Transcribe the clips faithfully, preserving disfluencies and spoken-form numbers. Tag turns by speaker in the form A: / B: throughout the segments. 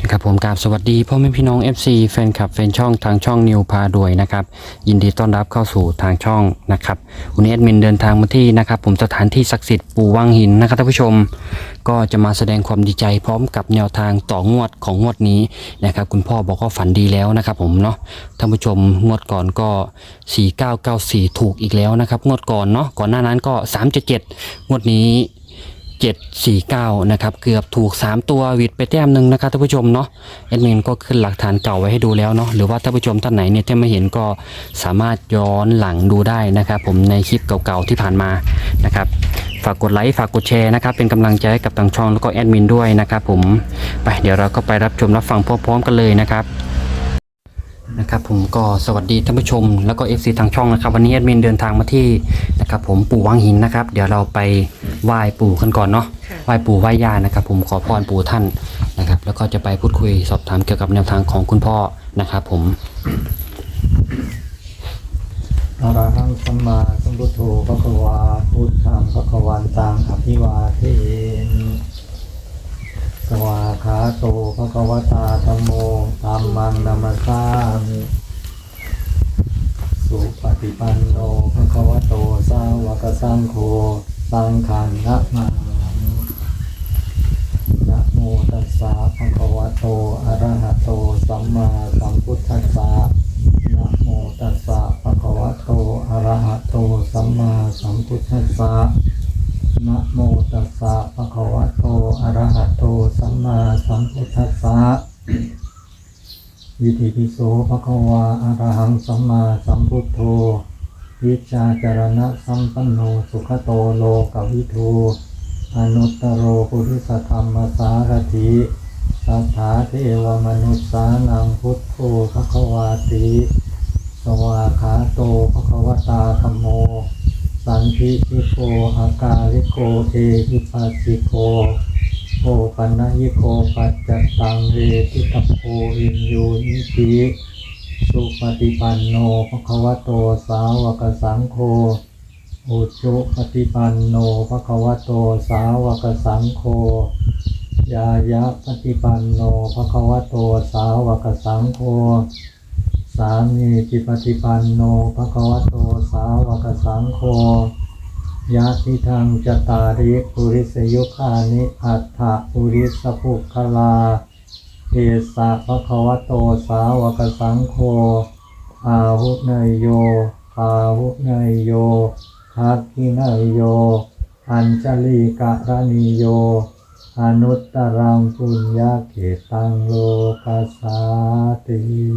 A: ครับผมกราบสวัสดีพ่อแม่พี่น้อง เอฟ ซี แฟนคลับแฟนช่องทางช่องนิวพาด้วยนะครับยินดีต้อนรับเข้าสู่ทางช่องนะครับวันนี้แอดมินเดินทางมาที่นะครับผมสถานที่ศักดิ์สิทธิ์ปู่วังหินนะครับท่านผู้ชมก็จะมาแสดงความดีใจพร้อมกับแนวทางต่องวดของงวดนี้นะครับคุณพ่อบอกว่าฝันดีแล้วนะครับผมเนาะท่านผู้ชมงวดก่อนก็สี่เก้าเก้าสี่ถูกอีกแล้วนะครับงวดก่อนเนาะก่อนหน้านั้นก็สามเจ็ดเจ็ดงวดนี้เจ็ด สี่ เก้านะครับเกือบถูกสามตัววิดไปแต้มหนึ่งนะครับท่านผู้ชมเนาะแอดมินก็ขึ้นหลักฐานเก่าไว้ให้ดูแล้วเนาะหรือว่าท่านผู้ชมท่านไหนเนี่ยที่ไม่เห็นก็สามารถย้อนหลังดูได้นะครับผมในคลิปเก่าๆที่ผ่านมานะครับฝากกดไลค์ฝากกดแชร์นะครับเป็นกำลังใจให้กับทางช่องแล้วก็แอดมินด้วยนะครับผมไปเดี๋ยวเราก็ไปรับชมรับฟังพร้อมๆกันเลยนะครับนะครับผมก็สวัสดีท่านผู้ชมแล้วก็ เอฟ ซี ทางช่องนะครับวันนี้แอดมินเดินทางมาที่นะครับผมปู่วังหินนะครับเดี๋ยวเราไปไหว้ปู่กันก่อนเนาะไหว้ปู่ไหว้ย่านะครับผมขอพรปู่ท่านนะครับแล้วก็จะไปพูดคุยสอบถามเกี่ยวกับแนวทางของคุณพ่อนะครับผม
B: อะระหังสัมมาสัมพุทโธภะคะวาพุทธังภะคะวันตังอภิวาเทมิสวาขาโตภะคะวตาธัมโมธัมมังนัมมัสสามิสุปฏิปันโนภะคะวะโตสาวกสังโฆสังฆังนะมามินะโมตัสสะภะคะวะโตอะระหะโตสัมมาสัมพุทธัสสะนะโมตัสสะภะคะวะโตอะระหะโตสัมมาสัมพุทธัสสะนะโมตัสสะภะคะวะโตอะระหะโตสัมมาสัมพุทธัสสะอิติปิโสภะคะวะอะระหังสัมมาสัมพุทโธวิชชาจารณะสัมปันโนสุขโตโลกวิทูอนุตตโรปุริสธรรมสารถิสัทธาเทวมนุษสานังพุทโธภะคะวาติสวาขาโตภะคะวตาธัมโมสันทิทิโกอากาลิโกเอหิปัสสิโกโอปันนยิโกปัจจตังเวทิตโพวินยูนิติสุปฏิปันโนภะคะวะโตสาวกสังโฆอุจุปฏิปันโนภะคะวะโตสาวกสังโฆยายะปฏิปันโนภะคะวะโตสาวกสังโฆสามีจิปฏิปันโนภะคะวะโตสาวกสังโฆยะทิทังจตาริปุริสยุคานิอัฏฐปุริสภุคลาเอสะภะคะวะโตสาวกสังโฆอาหุเนยโยอาหุเนยโยทักขิเนยโยอัญชลีกะรณิโยอนุตตรังปุญญาเกตังโลกัสสาติ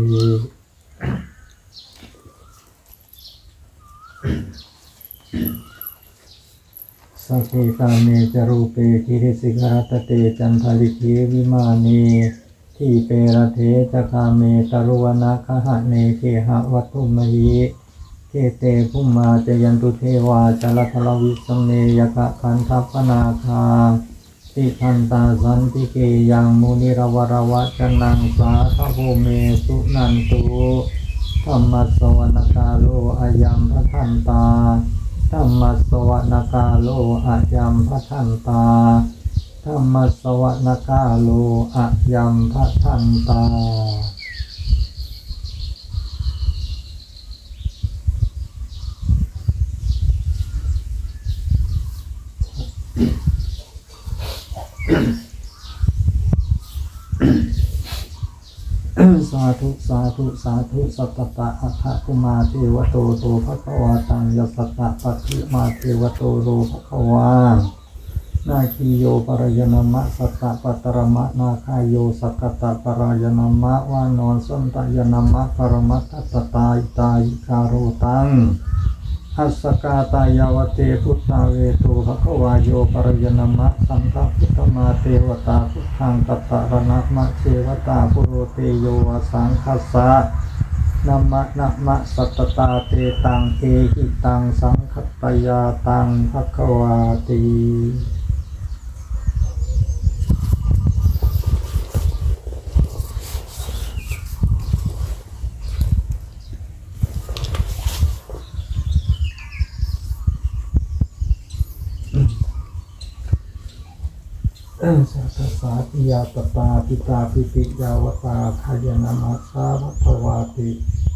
B: สัพเพกาเมจรูปเปกิริสิกรัตเตจันทลิเกวิมานีที่เปรเทจคาเมตรุวนาคหะเนเคหะวัตถุมหิเกเตภุมมาจยันตุเทวาจลทลวิสเมยกะคันทัพพนาคาติทันตาสันติเกยังมุนิรวรวัจนังสาทโภเมสุนันตุธรรมัสสวนกาโลอายัมพทันตาธรรมัสสวนกาโลอายัมพทันตาธรรมัสสวนกาโลอายัมพทันตาสาธุสาธุสาธุสัตตะอัคคะกุมาเทวโตโตภะคะวาตังยัสสตะปัตถิมาเทวโตโลภะคะวานาคีโยปรายนามะสัตตะปัตตรมะนาคายโยสักกตะปรายนามะวานอนสันตยนามะปรมัตถตตาอิตายิคาโรตังอัสสกาตายาวเตพุทธาเวโตภะคะวาโยปรายนามะสังฆพุทธมาเทวตาพุทธังกัตตะระนะมะเทวตาปุโรเตโยวสังคัสสะนะมะนะมะสัตตตาเตตังเอหิตังสังคัตตยาตังภะคะวาติสัพพะสาธิยาตตาปิตาปิติยาวตาขายนามาสาวัตวาติ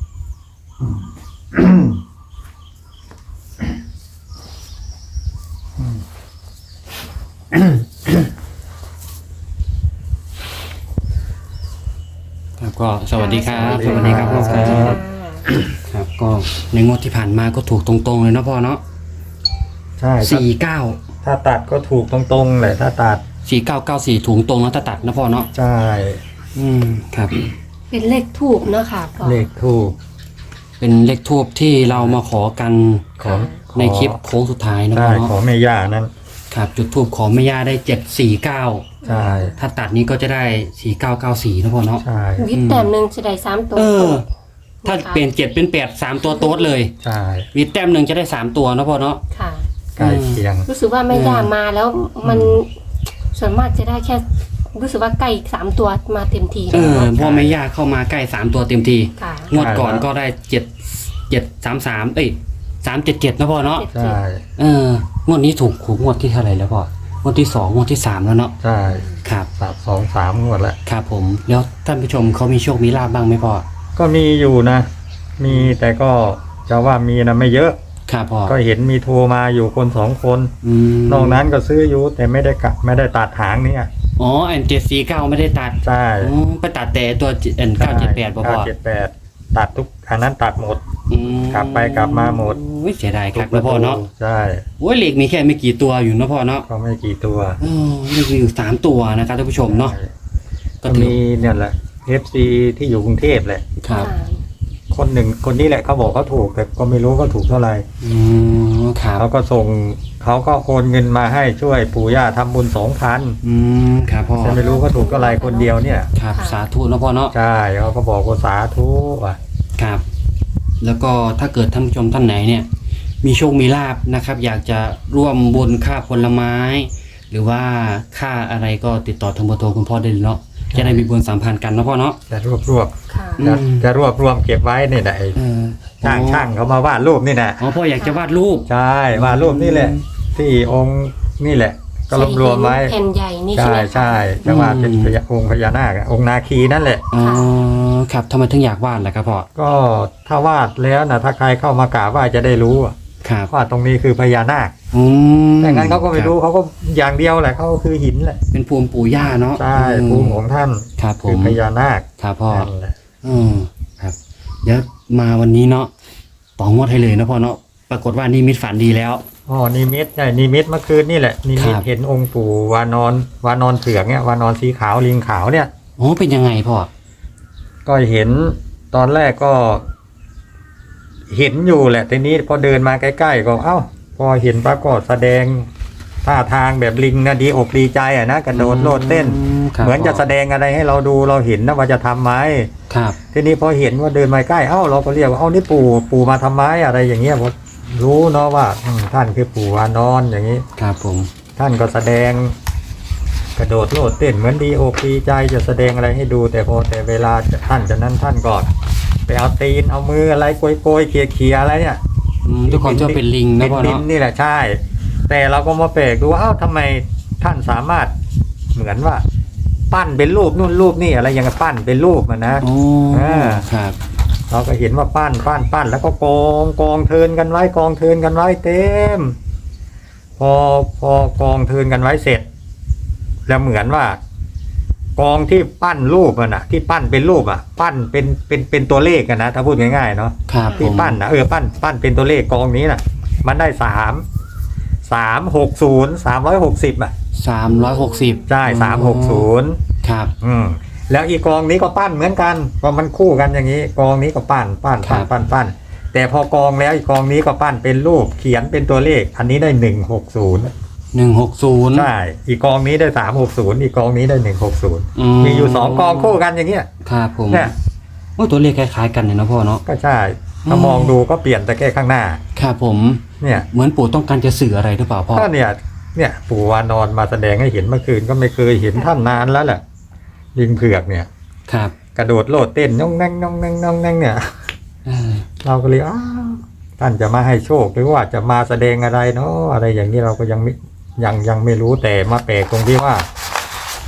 A: ครับก็สวัสดีครับ
B: สวัสดีครับ
A: พ่อครับครับก็ในงวดที่ผ่านมาก็ถูกตรงๆเลยเนาะพ่อเนาะ
B: ใช่ถ้า
A: สี่เก้า
B: ถ้าตัดก็ถูกตรงๆแหละถ้าตัด
A: สี่เก้าเก้าสี่ถุงตรงแล้วถ้าตัดนะพ่อเนาะ
B: ใช่
A: อืมครับ
C: เป็นเลขทูบเนาะค่ะพ่อ
B: เลขถูก
A: เป็นเลขทูบที่เรามาขอกัน
B: ของ
A: ในคลิปโค้งสุดท้ายนะ
B: ใช่
A: พ่อเนาะ
B: ของแม่ย่านั้น
A: ครับจุดทูบขอแม่ย่าได้เจ็ดสี่เก้า
B: ใช่
A: ถ้าตัดนี้ก็จะได้สี่เก้าเก้าสี่นะพ่อเนาะ
B: ใช่
C: วิทย์แต้มหนึ่งจะได้สามตัว
A: เออ ถ้าเปลี่ยนเจ็ดเป็นแปดสามตัวโต๊ดเลย
B: ใช่
A: วิดแต้มหนึ่งจะได้สามตัวนะพ่อเนาะ
C: ค่ะ
B: ใกล้เคียง
C: รู้สึกว่าไม่ย่ามาแล้วมันส่วนมากจะได้แค่ รู้สึกว่าใกล้สามตัวมาเต็มที
A: เออ
C: แล้ว
A: พ่อแม่ย่าเข้ามาใกล้สามตัวเต็มที
C: ค่ะ
A: งวดก่อนก็ได้เจ็ดเจ็ดสามสามเอ้ยสามเจ็ดเจ็ดนะพ่อเนาะ
C: เจ็ด
B: ใช่
A: เอองวดนี้ถูกถูกงวดที่เท่าไหร่แล้วพ่องวดที่สองงวดที่สามแล้วเนาะ
B: ใช่
A: ครับ
B: สามสองสามงวดแล้ว
A: ครับผมแล้วท่านผู้ชมเขามีโชคมีลาบบ้างไหมพ่อ
B: ก็มีอยู่นะ มีแต่ก็จะว่ามีนะไม่เยอะ
A: ครับพ่อ
B: ก็เห็นมีโทรมาอยู่คนสองคน
A: อืม
B: นอกนั้นก็ซื้ออยู่แต่ไม่ได้กะไม่ได้ตัดหางเนี่ย
A: อ๋ออันเจ็ดสี่เก้าไม่ได้ตัด
B: ใช่
A: อ๋อไปตัดแต่ตัวเอ็นเก้าเจ็ดแปดพ่อพ่อ
B: เก้าเจ็ดแปดตัดทุกอันนั้นตัดหมด
A: อืม
B: กลับไปกลับมาหมด
A: โอ้ยเสียดายครับนะพ่อเนาะ
B: ใช่
A: โอ้ยเหล็กมีแค่ไม่กี่ตัวอยู่นะพ่อเนาะ
B: ก็ไม่กี่ตัว
A: อ๋อเหล็กมีอยู่สามตัวนะครับท่านผู้ชมเนาะ
B: ใช่
A: ก็
B: ก็
A: ถือ
B: มีเนี่ยแหละ เอฟ ซี ที่อยู่กรุงเทพแหละ
A: ครับ
C: ค่ะ
B: คนหนึ่งคนนี้แหละเขาบอกเขาถูกแต่ก็ไม่รู้เขาถูกเท่าไหร่
A: อืมครับ
B: เขาก็ส่งเขาก็โอนเงินมาให้ช่วยปู่ย่าทำบุญสองพัน
A: อืมครับพ่อ
B: แต่ไม่รู้เขาถูกเท่าไหร่คนเดียวเนี่ย
A: ครับสาธุนะพ่อเนาะ
B: ใช่เขาก็บอกว่าสาธุอ่ะ
A: ครับ แล้วก็ถ้าเกิดท่านผู้ชมท่านไหนเนี่ย มีโชคมีลาบนะครับ อยากจะร่วมบุญค่าผลไม้ หรือว่าค่าอะไรก็ติดต่อทางเบอร์โทรคุณพ่อได้เลยเนาะจะได้มีบุญสัมพันธ์กันนะพ่อเนาะ
B: จะรวบรวบ
C: ค่ะ
A: อืม
B: จะจะรวบรวมเก็บไว้เนี่ยนะไอ้
A: เออ
B: ช่างช่างเขามาวาดรูปนี่นะ
A: อ๋อพ่ออยากจะวาดรูป
B: ใช่วาดรูปนี่แหละ ที่องค์นี่แหละ ก็รวบรวมไว้
C: แผ่นใหญ่นี่
B: ใช่
C: ใช่ไหม
B: ใช่จะวาดเป็นพญาองค์พญานาคอะองค์นาคีนั่นแหละ
A: อ๋อครับทำไมถึงอยากวาดล่ะครับพ่อ
B: ก็ถ้าวาดแล้วนะถ้าใครเข้ามากราบไหว้จะได้รู้อะ
A: ครับ
B: ว่าตรงนี้คือพญานาค
A: อืม
B: แต่งั้นเขาก็ไม่
A: คบ
B: รู้เขาก็อย่างเดียวแหละเขาก็คือหินแหละ
A: เป็นภูมิปู่ย่าเนาะ
B: ใช่ภูมิของท่าน
A: ครับผ
B: คือ
A: ม
B: พญานาค
A: ครับพ่อ
B: นั่นแหละ
A: อืมครับ เดี๋ยวมาวันนี้เนาะต่องวดให้เลยนะพ่อเนาะปรากฏว่านี่มิตฝันดีแล้ว
B: อ๋อนิมิตใช่นิมิตเมื่อคืนนี่แหละนิมิต
A: ครับ
B: เห็นองค์ปู่วานอนวานอนเสือกเนี่ยวานอนสีขาวลิงขาวเนี่ย
A: อ๋อเป็นยังไงพ่อ
B: ก็เห็นตอนแรกก็ เห็นอยู่แหละทีนี้พอเดินมาใกล้ๆก็เอ้า พอเห็นปรากฏแสดงท่าทางแบบลิงนะดีอกดีใจอ่ะนะกระโดดโลดเต้น
A: ครับ
B: เหมือนจะแสดงอะไรให้เราดูเราเห็นนะว่าจะทำไหม
A: ครับ
B: ทีนี้พอเห็นว่าเดินมาใกล้เอ้าเราก็เรียกว่าเอ้านี่ปู่ปู่มาทำไมอะไรอย่างเงี้ยผมรู้เนาะว่าอืมท่านคือปู่วานอนอย่างนี้
A: ครับผม
B: ท่านก็แสดง กระโดดโลดเต้นเหมือนดีอกดีใจจะแสดงอะไรให้ดู แต่พอแต่เวลาจะท่านจะนั้นท่านก็ไปเอาตีนเอามืออะไรโกยโกยๆเขี่ยเขี่ยๆอะไรเนี่ย
A: อืมด้วยความที่ว่าเป็นลิงนะ
B: เป็น
A: พ่อ
B: ดิน
A: เนาะ
B: นี่แหละใช่ แต่เราก็มาแปลกดูว่าเอ้าทำไมท่านสามารถเหมือนว่า ปั้นเป็นรูปนู่นรูปนี่อะไรอย่างเงี้ยปั้นเป็นรูปมันนะ
A: โอ้
B: อ่า
A: ครับ
B: เราก็เห็นว่าปั้นปั้นปั้นแล้วก็กองกองเทินกันไว้กองเทินกันไว้เต็ม พอพอกองเทินกันไว้เสร็จ แล้วเหมือนว่า กองที่ปั้นรูปมันอะที่ปั้นเป็นรูปอะปั้นเป็นเป็นเป็นตัวเลขกันนะถ้าพูดง่ายๆเนาะ
A: ครับผ
B: ที่
A: ม
B: ปั้นนะเออปั้นปั้นเป็นตัวเลขกองนี้น่ะ มันได้สามสามหกศูนย์สามร้อยหกสิบอ่ะ
A: สามร้อยหกสิบ
B: ใช่สามหกศูนย์
A: ครับ
B: อืมแล้วอีกกองนี้ก็ปั้นเหมือนกันเพราะมันคู่กันอย่างนี้ กองนี้ก็ปั้นปั้นปั้นปั้นปั้นแต่พอกองแล้วอีกกองนี้ก็ปั้นเป็นรูปเขียนเป็นตัวเลข อันนี้ได้หนึ่งหกศูนย์
A: หนึ่งหกศูนย์
B: ใช่อีกกองนี้ได้สามหกศูนย์อีกกองนี้ได้หนึ่งหกศูนย์
A: อื
B: มีอยู่สองกองคู่กันอย่างเงี้ย
A: ครับผม
B: เนี่ย
A: โอ้ตัวเลขคล้ายๆกันเลยนะพ่อเนาะ
B: ก็ใช่ถ้ามองดูก็เปลี่ยนแต่แค่ข้างหน้า
A: ครับผม
B: เนี่ย
A: เหมือนปู่ต้องการจะสื่ออะไรหรือเปล่าพ่อ
B: ก็เนี่ย เนี่ยปู่วานอนมาแสดงให้เห็นเมื่อคืนก็ไม่เคยเห็นท่านนานแล้วแหละลิงเผือกเนี่ย
A: ครับ
B: กระโดดโลดเต้นน้องแน่งน้องแน่งน้องแน่งเนี่ย
A: เออ
B: เราก็เลยอ้าวท่านจะมาให้โชคหรือว่าจะมาแสดงอะไรเนาะอะไรอย่างนี้เราก็ยังไม่ยังยังไม่รู้แต่มาแปลกตรงที่ว่า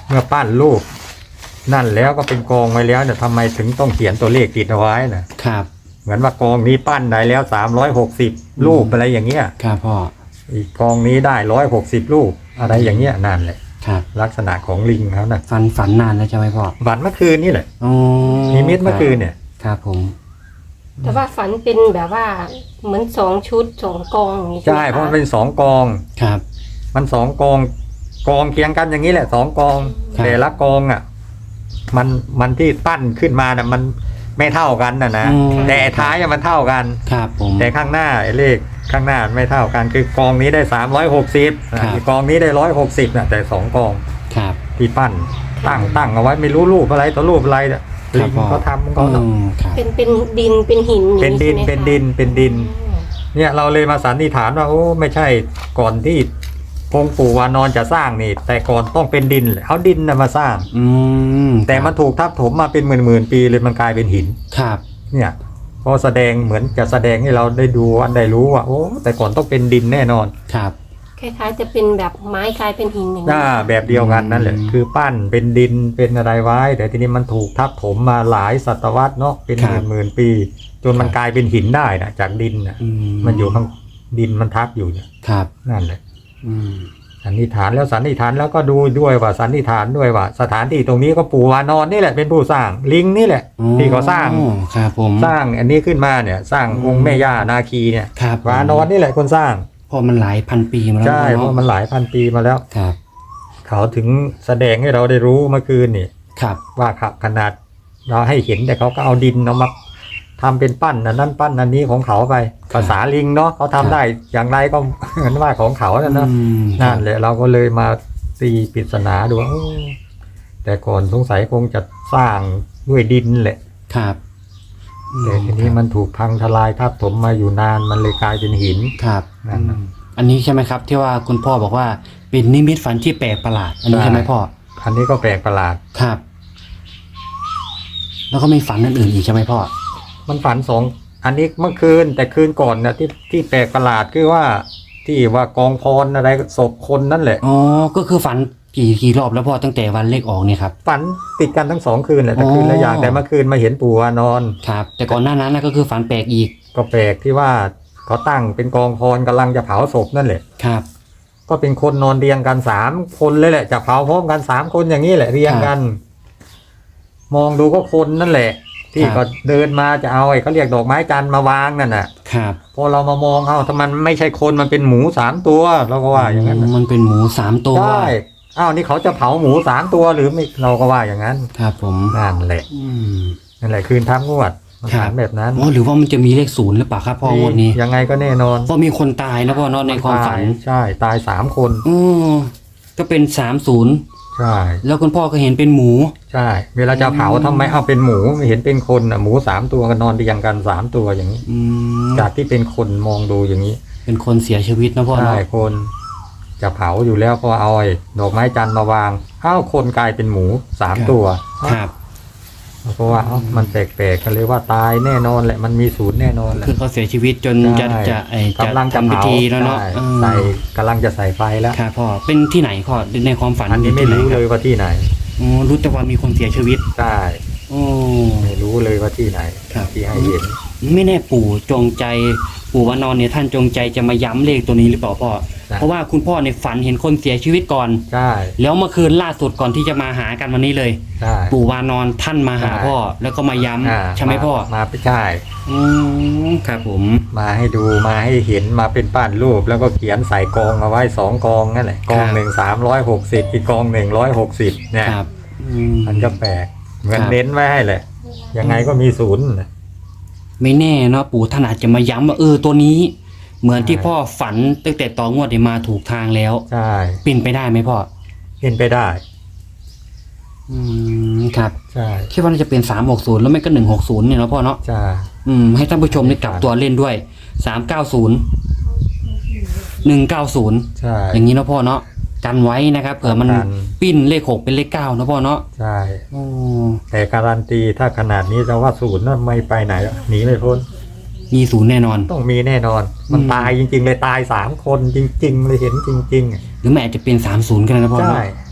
B: เมื่อปั้นรูปนั่นแล้วก็เป็นกองไว้แล้วเนี่ยทำไมถึงต้องเขียนตัวเลขติดเอาไว้นะครับ เหมือนว่ากองนี้ปั้นได้แล้วสามร้อยหกสิบรูปอะไรอย่างเงี้ย
A: ครับพ่อ
B: อีกกองนี้ได้ร้อยหกสิบรูปอะไรอย่างเงี้ยนั่นแหละ
A: ครับ
B: ลักษณะของลิงเขานะ
A: ฝันฝันนานแล้วใช่ไหมพ่อ
B: ฝันเมื่อคืนนี่แหละ
A: อ๋อ
B: นิมิตเมื่อคืนเนี่ย
A: ครับผม
C: แต่ว่าฝันเป็นแบบว่าเหมือนสองชุดสองกองอย่างนี้
B: ใช่
C: ไห
B: เพราะมันเป็นสองกอง
A: ครับ
B: มันสองกองกองเคียงกันอย่างนี้แหละสองกอง
A: ครับ
B: แต่ละกองอ่ะมันมันที่ปั้นขึ้นมาน่ะมันไม่เท่ากันนะนะ
A: อืม
B: แต่ท้ายอะมันเท่ากัน
A: ครับผม
B: แต่ข้างหน้าไอ้เลขข้างหน้าไม่เท่ากันคือกองนี้ได้สามร้อยหกสิบ
A: ครับ
B: อีกกองนี้ได้ร้อยหกสิบนะแต่สองกอง
A: ครับ
B: ที่ปั้นตั้งตั้งเอาไว้ไม่รู้รูปอะไรต่อรูปอะไรเนี่ย
A: ครั
B: ลิ
A: บ
B: ง
A: พ่อ
B: เขาทำของเขา
A: อืมครับ
C: เป็นเป็นดินเป็นหินอย่าง
B: เป็นดิน
C: ใช่ไหมคะ
B: เป็นดินเป็นดิน
C: อืม
B: เนี่ยเราเลยมาสันนิษฐานว่าโอ้ไม่ใช่ก่อนที่องค์ปู่วานอนจะสร้างนี่ แต่ก่อนต้องเป็นดินเลยเอาดินนะมาสร้าง
A: อืม
B: แต่มันถูกทับถมมาเป็นหมื่นหมื่นๆปีเลยมันกลายเป็นหิน
A: ครับ
B: เนี่ยพอแสดงเหมือนจะแสดงให้เราได้ดูอันได้รู้ว่าโอ้แต่ก่อนต้องเป็นดินแน่นอน
A: ครับ
C: คล้ายๆจะเป็นแบบไม้กลายเป็นหินอย่างนี้
B: อ่าแบบเดียวกันนั่นแหละ
A: อืม
B: คือปั้นเป็นดินเป็นอะไรไว้ แต่ทีนี้มันถูกทับถมมาหลายศตวรรษเนาะเป็น
A: ค
B: ห
A: รั
B: มื่
A: บ
B: นหมื่นปี จนมัน
A: ครับ
B: กลายเป็นหินได้นะจากดินนะ
A: อื
B: มันอยู่ข้างดินมันทับอยู่เนี่ย
A: ครับ
B: นั่นแหละ
A: อืม
B: สันนิษฐานแล้วสันนิษฐานแล้วก็ดูด้วยว่าสันนิษฐานด้วยว่า สถานที่ตรงนี้ก็ปู่วานอนนี่แหละเป็นผู้สร้างลิงนี่แหละ ที่เขาสร้าง
A: อ๋อครับผม
B: สร้างอันนี้ขึ้นมาเนี่ยสร้างองค์แม่ย่านาคีเนี่ย
A: ครับ
B: วานอนนี่แหละคนสร้าง
A: เพอมันหลายพันปีมาแล้ว
B: ใช่เพ
A: เนาะ
B: ราะมันหลายพันปีมาแล้ว
A: ครับ
B: เขาถึงแสดงให้เราได้รู้เมื่อคืนนี่
A: ครับ
B: ว่าขับขนาดเราให้เห็นแต่เขาก็เอาดินเอามาทำเป็นปั้นอันนั้นปั้นอันนี้ของเขาไปภาษาลิงเนาะเขาทำได้อย่างไรก็ เหมือนว่าของเขานั่นเนาะ
A: อืม
B: นั่นแหละเราก็เลยมาตีปริศนาดูว่าโอ้แต่ก่อนสงสัยคงจะสร้างด้วยดินแหละ
A: ครับ
B: แต่ทีนี้มันถูกพังทลายทับถมมาอยู่นานมันเลยกลายเป็นหิน
A: ครับ
B: นั่นน่ะ
A: อืมอันนี้ใช่ไหมครับ ที่ว่าคุณพ่อบอกว่าเป็นนิมิตฝันที่แปลกประหลาด อันนี้
B: ใช่
A: ใช่ไหมพ่อ
B: อันนี้ก็แปลกประหลาด
A: ครับ แล้วก็มีฝันอื่นๆอีกใช่ไหมพ่อ
B: มันฝันสองอันนี้เมื่อคืนแต่คืนก่อนเนี่ยที่ที่แปลกประหลาดคือว่า ที่ว่ากองพรอะไรศพคนนั่นแหละ
A: อ๋อ ก็คือฝันกี่กี่รอบแล้วพ่อตั้งแต่วันเลขออกเนี่ยครับ
B: ฝันติดกันทั้งสองคืนแหละแต่
A: อ๋อ
B: คืนละอย่างแต่เมื่อคืนมาเห็นปู่วานอน
A: ครับ แต่ก่อนหน้านั้นนะก็คือฝันแปลกอีก
B: ก็แปลกที่ว่าเขาตั้งเป็นกองพรกำลังจะเผาศพนั่นแหละ
A: ครับ
B: ก็เป็นคนนอนเรียงกันสามคนเลยแหละจะเผาพร้อมกันสามคนอย่างนี้แหละเรียงกัน มองดูก็คนนั่นแหละ ที่
A: ครับ
B: ก็เดินมาจะเอาไอ้เขาเรียกดอกไม้จันทร์มาวางนั่นน่ะ
A: ครับ
B: พอเรามามองเอาถ้ามันไม่ใช่คนมันเป็นหมูสามตัวเราก็ว่าอย่างนั้นน่ะ
A: มันเป็นหมูสามตัว
B: ใช่อ้าวนี่เขาจะเผาหมูสามตัวหรือไม่เราก็ว่าอย่างนั้น
A: ครับผม
B: นั่นแหละ
A: อืม
B: นั่นแหละคืนทับงวดมัน
A: ครับ
B: ถามแบบนั้น
A: อ๋อหรือว่ามันจะมีเลขศูนย์หรือเปล่าครับพ่องวดนี้
B: ยังไงก็แน่นอน
A: เพราะมีคนตายนะพ่อเนาะในความฝัน
B: ตายใช่ตายสามคน
A: อือก็เป็นสามศูนย์
B: ใช่
A: แล้วคุณพ่อก็เห็นเป็นหมู
B: ใช่ เวลาจะเผาทำไมเอาเป็นหมูไม่เห็นเป็นคนอ่ะหมูสามตัวกันนอนเรียงกันสามตัวอย่างนี้
A: อืม
B: จากที่เป็นคนมองดูอย่างนี้
A: เป็นคนเสียชีวิตนะพ่อ
B: ใช่
A: เนาะ
B: คนจะเผาอยู่แล้วก็เอาไอ้ดอกไม้จันทร์มาวางอ้าวคนกลายเป็นหมูสามตัว
A: ครับ
B: เพราะว่าเอ้ามันแปลกๆกันเลยว่าตายแน่นอนแหละมันมีศูนย์แน่นอนแหละ
A: คือเขาเสียชีวิตจนจะ
B: ใช่
A: จะไอจะ
B: กำลังจะ
A: ทำพิ
B: เผา
A: ธีแล้วเนาะ
B: ใช่
A: เออ
B: ใส่กำลังจะใส่ไฟแล้ว
A: ครับพ่อเป็นที่ไหนพ่อในความฝัน
B: อันนี้ไม่
A: ที่ห
B: รู้
A: ค
B: เล
A: บ
B: ยว่าที่ไหน
A: อ๋อรู้แต่ว่ามีคนเสียชีวิต
B: ใช่
A: โอ้
B: ไม่รู้เลยว่าที่ไหน
A: ครับ
B: ที่ให้เห็น
A: ไม่แน่ปู่จงใจปู่วานอนเนี่ยท่านจงใจจะมาย้ำเลขตัวนี้หรือเปล่าพ่อ
B: ใช่
A: เพราะว่าคุณพ่อในฝันเห็นคนเสียชีวิตก่อน
B: ใช่
A: แล้วเมื่อคืนล่าสุดก่อนที่จะมาหากันวันนี้เลย
B: ใช่
A: ปู่วานอนท่านมาหา
B: ใช่
A: พ่อ แล้วก็มาย้
B: อ่า
A: ำใช่ไหมพ่อ
B: มาไปใช่
A: อืมครับผม
B: มาให้ดูมาให้เห็นมาเป็นปั้นรูปแล้วก็เขียนใส่กองเอาไว้สองกองนั่นแหละกองหนึ่งสามร้อยหกสิบอีกกองหนึ่งร้อยหกสิบเนี่ย
A: ครับอื
B: มันก็แปลกเหมือน
A: ครับ
B: เน้นไว้ให้แหละยังไงก็มีศูนย์น่ะ
A: ไม่แน่เนาะปู่ท่านอาจจะมาย้ำว่าเออตัวนี้ เหมือนที่
B: ใช่
A: พ่อฝันตั้งแต่ต่องวดเนี่ยมาถูกทางแล้ว
B: ใช่
A: เป็นไปได้ไหมพ่อ
B: เห็นไปได้
A: อืมครับ
B: ใช่
A: คิดว่าน่าจะเป็นสามหกศูนย์แล้วไม่ก็หนึ่งหกศูนย์เนี่ยเนาะพ่อเนาะ
B: ใช่
A: อืมให้ท่านผู้ชมได้กลับตัวเล่นด้วยสามเก้าศูนย์หนึ่งเก้าศูนย์
B: ใช่
A: อย่างนี้เนาะพ่อเนาะกันไว้นะครับเผื่อมัน
B: กัน
A: ปิ้นเลขหกเป็นเลขเก้าเนาะพ่อเนาะ
B: ใช่
A: โอ้
B: แต่การันตีถ้าขนาดนี้จะว่าศูนย์น่ะไม่ไปไหนหรอกหนีไม่พ้น
A: มีศูนย์แน่นอน
B: ต้องมีแน่นอน มัน
A: อืม
B: ตายจริง ๆ เลยตายสามคนจริง ๆ เลยเห็นจริง
A: หรือแม่อาจจะเป็นสามศูนย์ก็ได้นะพ่อ
B: ๆ
A: เนาะ
B: ใช่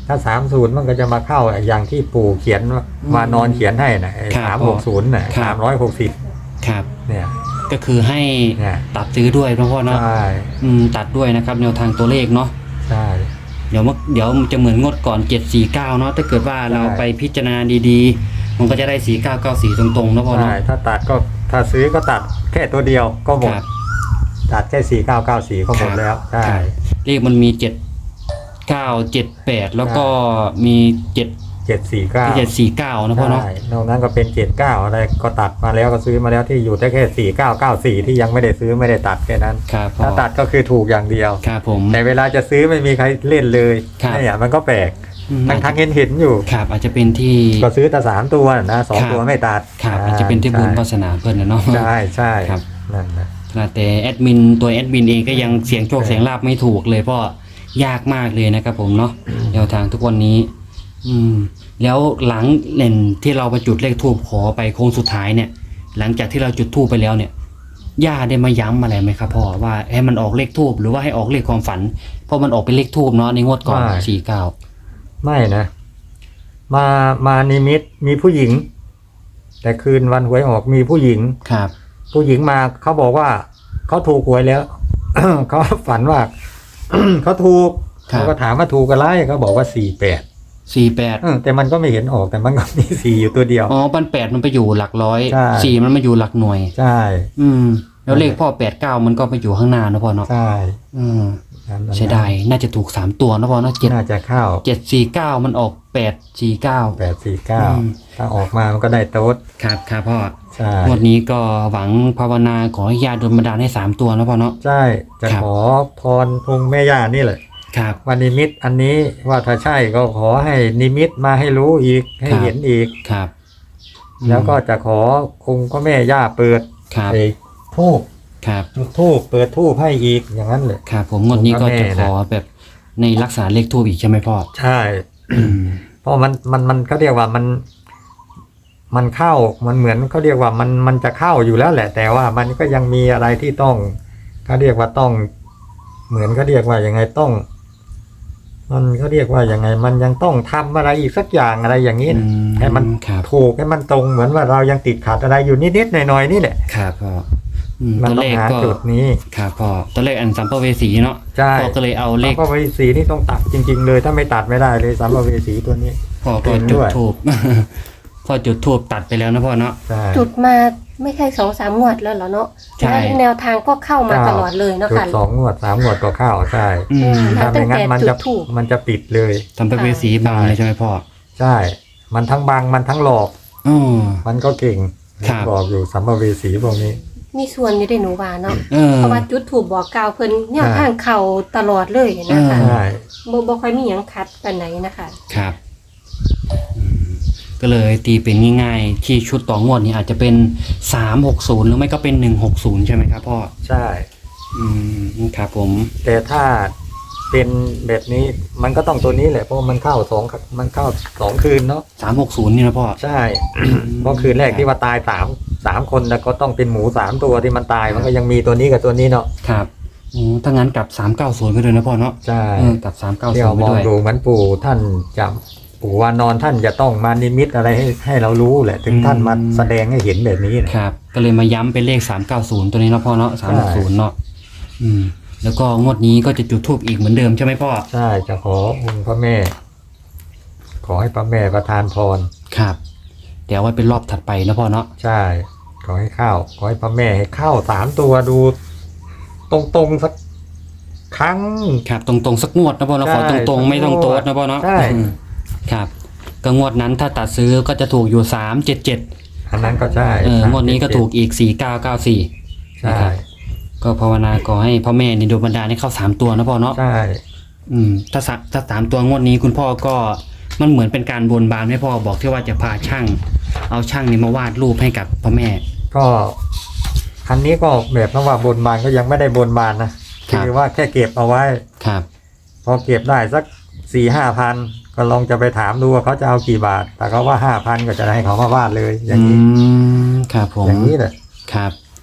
B: ถ้าสามศูนย์มันก็จะมาเข้าอย่างที่ปู่เขียนมานอนเขียนให้นะ
A: ครับ
B: สามหกศูนย์น่ะ
A: ครับ
B: สามร้อยหกสิบ
A: ครับ
B: เนี่ย
A: ก็คือให้
B: เนี่ย
A: ตัดซื้อด้วยนะพ่อเนาะ
B: ใช่
A: อืมตัดด้วยนะครับแนวทางตัวเลขเนาะ
B: ใช่
A: เดี๋ยวมันเดี๋ยวมันจะเหมือนงวดก่อนเจ็ดสี่เก้าเนาะถ้าเกิดว่าเรา
B: ใช่
A: ไปพิจารณาดีๆ มันก็จะได้สี่เก้าเก้าสี่ตรงๆนะพ่อเนาะ
B: ใช่ถ้าตัดก็ถ้าซื้อก็ตัดแค่ตัวเดียวก็หมด
A: ครับ
B: ตัดแค่สี่เก้าเก้าสี่ก็หมดแล้วใช่
A: ครับเลขมันมีเจ็ดเก้าเจ็ดแปดแล้วก็มีเจ็ด
B: เจ็ดสี่เก้า
A: เจ็ดสี่เก้านะพ่อเนาะ
B: ใช่นอกนั้นก็เป็นเจ็ดเก้าอะไรก็ตัดมาแล้วก็ซื้อมาแล้วที่อยู่ได้แค่สี่เก้าเก้าสี่ที่ยังไม่ได้ซื้อไม่ได้ตัดแค่นั้น
A: ครับพ่อ
B: ถ้าตัดก็คือถูกอย่างเดียว
A: ครับผม
B: แต่เวลาจะซื้อไม่มีใครเล่นเลย
A: ครับ
B: เนี่ยมันก็แปลก
A: อืม
B: ทั้งทั้งเห็นเห็นอยู่
A: ครับอาจจะเป็นที่
B: ก็ซื้อแต่สามตัวนะสอง
A: ครับ
B: ตัวไม่ตัด
A: ครับอาจจะเป็นที่บุญวาสนาเพื่อนนะเนาะ
B: ใช่ใช่
A: ครับ
B: นั่นนะ
A: ขนาดแต่แอดมินตัวแอดมินเองก็ยังเสียงโชคเสียงลาบไม่ถูกเลยเพราะยากมากเลยนะครับผมเนาะแนวทางทุกวันนี้ อืม แล้วหลังเล่นที่เราไปจุดเลขทูบขอไปโค้งสุดท้ายเนี่ย หลังจากที่เราจุดทูบไปแล้วเนี่ยย่าได้มาย้ำอะไรไหมครับพ่อว่าให้มันออกเลขทูบหรือว่าให้ออกเลขความฝันเพราะมันออกเป็นเลขทูบเนาะในงวดก่อนสี่เก้า
B: ไม่นะ มามานิมิตมีผู้หญิง แต่คืนวันหวยออกมีผู้หญิง
A: ครับ
B: ผู้หญิงมาเขาบอกว่าเขาถูกหวยแล้ว เขาฝันว่า เขาถูก
A: ครับ
B: เขาก็ถามว่าถูกอะไรเขาบอกว่าสี่แปด
A: สี่แปด
B: แต่มันก็ไม่เห็นออกแต่มันก็มีสี่อยู่ตัวเดียว
A: อ๋อปันแปดมันไปอยู่หลักร้อย
B: ใช่
A: สี่มันมาอยู่หลักหน่วย
B: ใช่
A: อืม แล้วเลขพ่อแปดเก้ามันก็ไปอยู่ข้างหน้านะพ่อเนาะ
B: ใช่
A: อืม
B: นั่นนั่น
A: ใช่ได้น่าจะถูกสามตัวนะพ่อเนาะเจ็ด
B: น่าจะเข้า
A: เจ็ดสี่เก้ามันออกแปดสี่เก้า
B: แปดสี่เก้า
A: อืม
B: ถ้าออกมามันก็ได้โต๊ด
A: ครับครับพ่อ
B: ใช่
A: งวดนี้ก็หวังภาวนาขอให้ญาติโดนบันดาลให้สามตัวนะพ่อเนาะ
B: ใช่จะ
A: ครับ
B: ขอพรองค์แม่ย่านี่แหละ
A: ครับ
B: ว่านิมิตอันนี้ว่าถ้าใช่ก็ขอให้นิมิตมาให้รู้อีกให้
A: ครับ
B: เห็นอีก
A: ครับอืม
B: แล้วก็จะขอองค์พระแม่ย่าเปิด
A: ครับ
B: ไอ้ทูบ
A: ครับ
B: จุดทูบเปิดทูบให้อีกอย่างนั้นเลย
A: ครับผมงวดนี้ก็จะขอแบบในลักษณะเลขทูบอีกใช่ไหมพ่อ
B: ใช่
A: อืม
B: เพราะมันมันมันเขาเรียกว่ามัน มันเข้ามันเหมือนเขาเรียกว่ามันมันจะเข้าอยู่แล้วแหละ แต่ว่ามันก็ยังมีอะไรที่ต้องเขาเรียกว่าต้อง เหมือนเขาเรียกว่ายังไงต้อง มันเขาเรียกว่ายังไง มันยังต้องทำอะไรอีกสักอย่างอะไรอย่างนี้
A: อื
B: นะ
A: ม
B: ให้มัน
A: ครับ
B: ถูกให้มันตรงเหมือนว่าเรายังติดขัดอะไรอยู่นิดๆหน่อยๆนี่แหละ
A: ครับพ่ออืม
B: มัน
A: ตัว
B: ต้อ
A: เล
B: ง
A: ข
B: หา
A: ก็
B: จุดนี้
A: ครับพ่อตัวเลขอันสัมภเวสีเนาะ
B: ใช่
A: พ่อก็เลยเอาเล
B: แล้ว
A: ข
B: ก็เวสีนี่ต้องตัดจริง ๆ เลย ถ้าไม่ตัดไม่ได้เลยสัมภเวสีตัวนี้
A: พ่อก็
B: เห็น
A: จุ
B: ด้
A: ด
B: วย
A: ทูบ พ่อจุดทูบตัดไปแล้วนะพ่อเนาะ
B: ใช่
C: จุดมาไม่ใช่สองสามงวดแล้วเหรอเนาะ
A: ใช่
C: แล้วแนวทางก็เข้ามาตลอดเลยเนาะ
B: จุด
C: ค่ะ
B: สองงวดสามงวดก็เข้าใช่
A: อืม
C: ครั
B: ถ้า
C: บ
B: ไม่งั้นมันจะ
C: ตั้งแต่จุดธูป
B: มันจะปิดเลย
A: สัมภเวสีบางเลยใช่ไหมพ่อ
B: ใช่ มันทั้งบังมันทั้งหลอก
A: อ๋อ
B: มันก็เก่ง
A: ครับ
B: บอกอยู่สัมภเวสีพวกนี้
C: มีส่วนอยู่ในหนูว่าเนาะ
A: เออ
C: เพราะว่าจุดถูกบอกกล่าวเพิ่นเนี่ย
B: อ่า
C: ทางเข่าตลอดเลยนะคะ
A: อ่า
B: ใช่
C: บ่บ่ค่อยมีหยังคัดปานไหนนะคะ
A: ครับอืมก็เลยตีเป็นง่ายๆ ที่ชุดต่องวดนี้อาจจะเป็นสามหกศูนย์หรือไม่ก็เป็นหนึ่งหกศูนย์ใช่ไหมครับพ่อ
B: ใช่
A: อืมครับผม
B: แต่ถ้าเป็นแบบนี้มันก็ต้องตัวนี้แหละเพราะมันเข้าสองมันเข้าสองคืนเนาะ
A: สามหกศูนย์นี่นะพ่อ
B: ใช่ เพราะคืนแรกที่ว่าตายสามสามคนแต่ก็ต้องเป็นหมูสามตัวที่มันตายมันก็ยังมีตัวนี้กับตัวนี้เนาะ
A: ครับอืมถ้างั้นกลับสามเก้าศูนย์ไปเลยนะพ่อเนาะ
B: ใช่
A: เออกลับสามเก้า
B: ที่
A: ศูน
B: เรา
A: ย์ไป
B: มอง
A: ด้วย
B: ดูเหมือนปู่ท่านจะปู่วานอนท่านจะต้องมานิมิตอะไรให้ให้เรารู้แหละ ถึงท่านมาแสดงให้เห็นแบบนี้นะครับ
A: ก็เลยมาย้ำเป็นเลขสามเก้าศูนย์ตัวนี้เนาะพ่อเนาะสามหกศูนย์เนาะอืม แล้วก็งวดนี้ก็จะจุดธูปอีกเหมือนเดิมใช่ไหมพ่อ
B: ใช่จะขอองค์พระแม่ ขอให้พระแม่ประทานพร
A: ครับ เดี๋ยวไว้เป็นรอบถัดไปนะพ่อเนาะ
B: ใช่ ขอให้เข้าขอให้พระแม่ให้เข้าสามตัวดู ตรงๆสักครั้ง
A: ครับตรงๆสักงวดนะพ่อเนาะ
B: ใช่
A: ขอตรงๆไม่ต้องโต๊ดนะพ่อเนาะ
B: ใช่
A: อืมครับก็งวดนั้นถ้าตัดซื้อก็จะถูกอยู่สามเจ็ดเจ็ด
B: อันนั้นก็ใช่
A: เอองวดนี้ก็ถูกอีกสี่เก้าเก้าสี่
B: ใช่
A: ก็ภาวนาขอให้พ่อแม่ในดวงบันดาลให้เข้าสามตัวนะพ่อเนาะ
B: ใช่
A: อืมถ้าสะถ้าสามตัวงวดนี้คุณพ่อก็มันเหมือนเป็นการบนบานให้พ่อบอกที่ว่าจะพาช่าง เอาช่างนี้มาวาดรูปให้กับพ่อแม่
B: ก็อันนี้ก็แบบว่าบนบานก็ยังไม่ได้บนบานนะครับ คือว่าแค่เก็บเอาไว้
A: ครับ
B: พอเก็บได้สักสี่ห้าพันก็ลองจะไปถามดูว่าเขาจะเอากี่บาท แต่เขาว่าห้าพันก็จะให้เขามาวาดเลย อย่างนี้
A: อืมครับผม
B: อย่างนี้แหละ
A: ครับ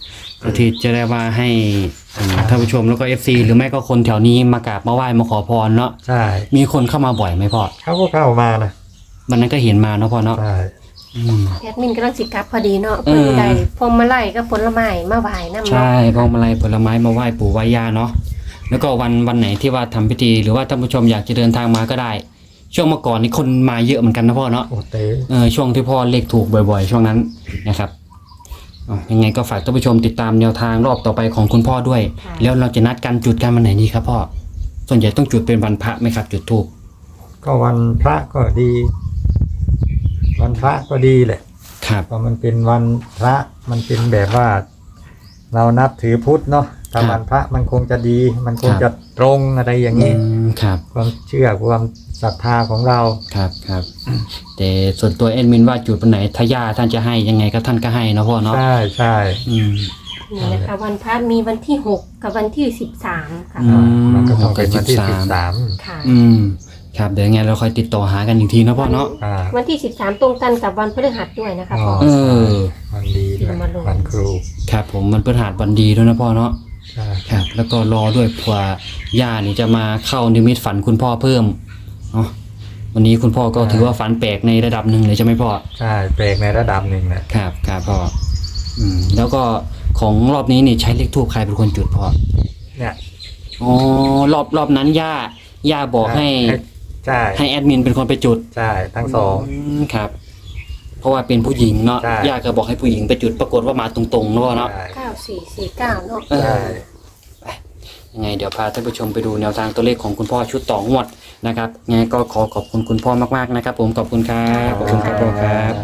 A: ก็ที่จะได้ว่าให้อืมท่านผู้ชมแล้วก็ เอฟ ซี หรือไม่ก็คนแถวนี้มากราบมาไหว้มาขอพรเนาะ
B: ใช่
A: มีคนเข้ามาบ่อยไหมพ่อ
B: เขาก็เข้ามานะ
A: วันนั้นก็เห็นมาเนาะพ่อเนาะ
B: ใช่
A: อืม
C: แอดมินกำลังสิกลับพอดีเนาะ
A: เอ
C: เพิ่
A: อ
C: นได้พวงมาลัยกับผลไม้มาไหว้นำ
A: ใช่
C: เนาะ
A: พวงมาลัยผลไม้มาไหว้ปู่ไหว้ย่าเนาะแล้วก็วันวันไหนที่ว่าทำพิธีหรือว่าท่านผู้ชมอยากจะเดินทางมาก็ได้ ช่วงเมื่อก่อนนี่คนมาเยอะเหมือนกันนะพ่อเนาะ
B: โอ้เต้
A: เออช่วงที่พ่อเลขถูกบ่อยๆ ช่วงนั้นนะครับอ๋อยังไงก็ฝากท่านผู้ชมติดตามแนวทางรอบต่อไปของคุณพ่อด้วย แล้วเราจะนัดกันจุดกันวันไหนดีครับพ่อส่วนใหญ่ต้องจุดเป็นวันพระไหมครับ จุดธูป
B: ก็วันพระก็ดี วันพระก็ดีแหละ
A: ครับ
B: เพราะมันเป็นวันพระมันเป็นแบบว่า เรานับถือพุทธเนาะถ้าวันพระมันคงจะดี มันคงจะตรงอะไรอย่าง
A: อื
B: นี้
A: มครับ
B: ความเชื่อความศรัทธาของเรา
A: ครับครับแต่ส่วนตัวแอดมินว่าจุดวันไหนถ้าย่าท่านจะให้ยังไงก็ท่านก็ให้นะพ่อเนาะ
B: ใช่ใช่
A: อืม
C: นี่นะคะวันพระมีวันที่หกกับวันที่สิบสามค่ะ
A: อืม
B: มันก็ต้องเป็นวันที่
A: หกกับสิ
B: สิ
A: บบ สา
B: สาม ม
C: ค่ะ
A: อืมครับเดี๋ยวยังไงเราค่อยติดต่อหากันอีกทีนะพ่อเนาะ
B: อ่า
C: วันที่สิบสามตรงกันกับวันพฤหัสด้วยนะคะพ่อ
A: เออ
B: วันดีด้วย
C: มาลง
B: วันครู
A: ครับผมมันเป็นหาดวันดีด้วยนะพ่อเนาะ
B: ใช่
A: ครับแล้วก็รอด้วยเผื่อย่านี่จะมาเข้านิมิตฝันคุณพ่อเพิ่มเนาะวันนี้คุณพ่อก็ถือว่าฝันแปลกในระดับหนึ่งเลยใช่ไหมพ่อ
B: ใช่แปลกในระดับหนึ่งนะครับ
A: ครับพ่ออืมแล้วก็ของรอบนี้นี่ใช้เลขทูปใครเป็นคนจุดพ่อ
B: เนี่ย
A: อ๋อรอบรอบนั้นย่าย่าบอกให้
B: ใช่
A: ให้แอดมินเป็นคนไปจุด
B: ใช่ทั้งสอง
A: มครับ เพราะว่าเป็นผู้หญิงเนาะ
B: ใช่
A: ย่าก็บอกให้ผู้หญิงไปจุดปรากฏว่ามาตรงๆเนาะเนาะ
B: ใช่
C: เก้าสี่สี่เก้าเนาะ
A: เออ
B: ใช่
A: ยังไงเดี๋ยวพาท่านผู้ชมไปดูแนวทางตัวเลขของคุณพ่อชุดต่องวดนะครับยังไงก็ขอขอบคุณคุณพ่อมากๆนะครับ ผมขอบคุณครับขอบคุณครับพ่อครับ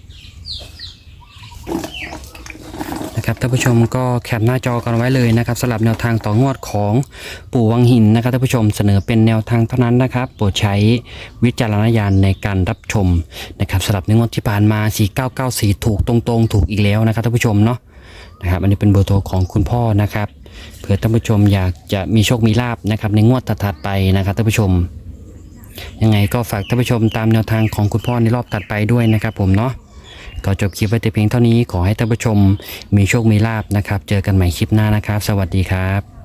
A: นะครับท่านผู้ชมก็แคปหน้าจอกันไว้เลยนะครับสำหรับแนวทางต่องวดของปู่วังหินนะครับท่านผู้ชมเสนอเป็นแนวทางเท่านั้นนะครับโปรดใช้วิจารณญาณในการรับชมนะครับสำหรับในงวดที่ผ่านมาสี่เก้าเก้าสี่ถูกตรงๆถูกอีกแล้วนะครับท่านผู้ชมเนาะนะครับอันนี้เป็นเบอร์โทรของคุณพ่อนะครับเผื่อท่านผู้ชมอยากจะมีโชคมีลาภนะครับในงวดถัดๆไปนะครับท่านผู้ชมยังไงก็ฝากท่านผู้ชมตามแนวทางของคุณพ่อในรอบถัดไปด้วยนะครับผมเนาะก็จบคลิปไว้แต่เพียงเท่านี้ขอให้ท่านผู้ชมมีโชคมีลาภนะครับเจอกันใหม่คลิปหน้านะครับสวัสดีครับ